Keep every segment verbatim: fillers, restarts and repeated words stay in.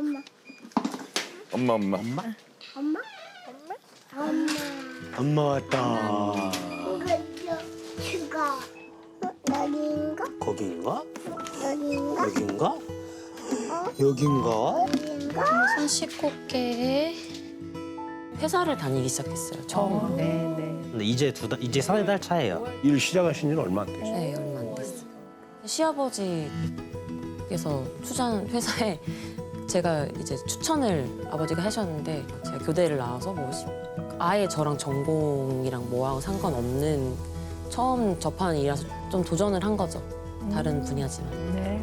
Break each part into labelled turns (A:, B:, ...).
A: 엄마.
B: 엄마 엄마.
C: 엄마?
A: 엄마? 엄마? 엄마.
C: 엄마 왔다.
A: 이거 추가. 여기인가?
C: 거긴가?
A: 여기인가?
C: 여긴가?
A: 어?
C: 여긴가?
A: 여기인가?
D: 손 씻고 올게.
E: 회사를 다니기 시작했어요. 처음.
F: 네네.
C: 근데 이제 두 달, 이제 세 달 차예요.
G: 일 시작하신 지는 얼마 안 되죠?
E: 네, 얼마 안 됐어요. 시아버지께서 투자한 회사에 제가 이제 추천을 아버지가 하셨는데 제가 교대를 나와서 뭐 아예 저랑 전공이랑 뭐하고 상관없는 처음 접하는 일이라서 좀 도전을 한 거죠. 다른 분야지만.
F: 네.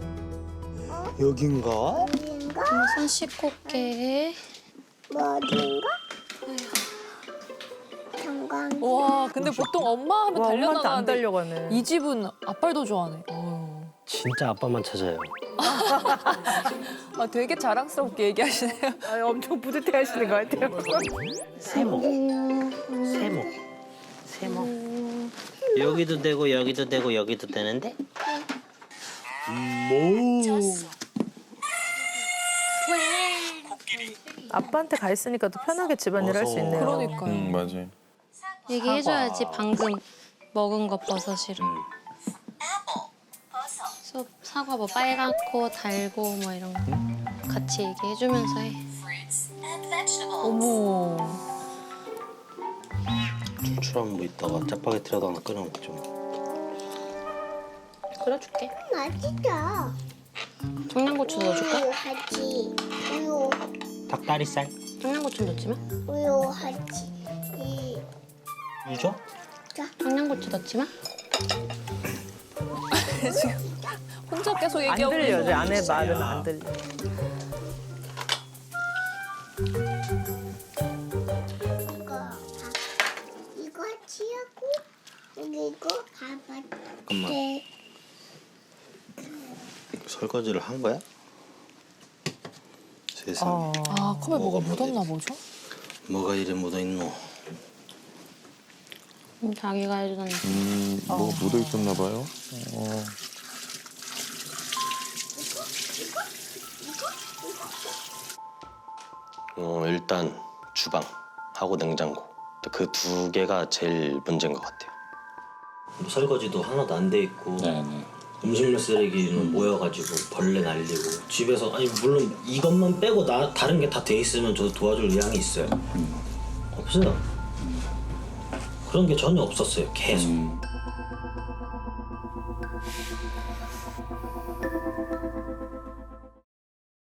C: 여긴가?
A: 여기인가?
D: 손 씻고 올게.
A: 뭐 어디인가? 정강.
H: 와, 근데 보통 엄마 하면
F: 와, 엄마한테 안
H: 달려나가는데
F: 달려가네.
H: 이 집은 아빠도 좋아하네. 어휴.
C: 진짜 아빠만 찾아요.
H: 아, 되게 자랑스럽게 얘기하시네요.
F: 아, 엄청 뿌듯해 하시는 것 같아요.
C: 세모. 세모. 세모. 여기도 되고 여기도 되고 여기도 되는데? 뭐?
F: 아빠한테 가 있으니까 또 편하게 집안일 할 수 있네요.
H: 그러니까요.
B: 응 맞아.
D: 얘기해줘야지 방금 먹은 거 버섯이랑. 그래서 사과 뭐 빨갛고 달고 뭐 이런 거 같이 얘기해주면서 해.
H: 어머.
C: 출출하면 뭐 있다가 짜파게티라도 하나 끓여 먹죠.
D: 끓여줄게.
A: 맛있다.
D: 청양고추 넣어줄까?
A: 우유 하지. 우유.
C: 닭다리살.
D: 청양고추 넣지 마.
A: 우유 하지. 이.
C: 유죠?
D: 청양고추 넣지 마.
H: 혼자 계속
F: 안
H: 얘기하고
F: 들려,
H: 계셔.
F: 제 아내 말은 안 들려.
A: 이거 밥. 이거 치우고 그리고 밥을.
C: 잠깐만.
A: 네.
C: 설거지를 한 거야? 세상에.
F: 어.
H: 아, 컵에 뭐가 묻었나 보죠?
C: 뭐가 이래 묻어있노?
D: 음, 자기가 해주던.
B: 음뭐 묻어 있었나 봐요. 어.
C: 어, 일단 주방하고 냉장고. 그 두 개가 제일 문제인 것 같아요. 설거지도 하나도 안 돼 있고
B: 네네.
C: 음식물 쓰레기는 모여가지고 벌레 날리고 집에서 아니 물론 이것만 빼고 나 다른 게 다 돼 있으면 저도 도와줄 의향이 있어요. 없어요. 그런 게 전혀 없었어요. 계속.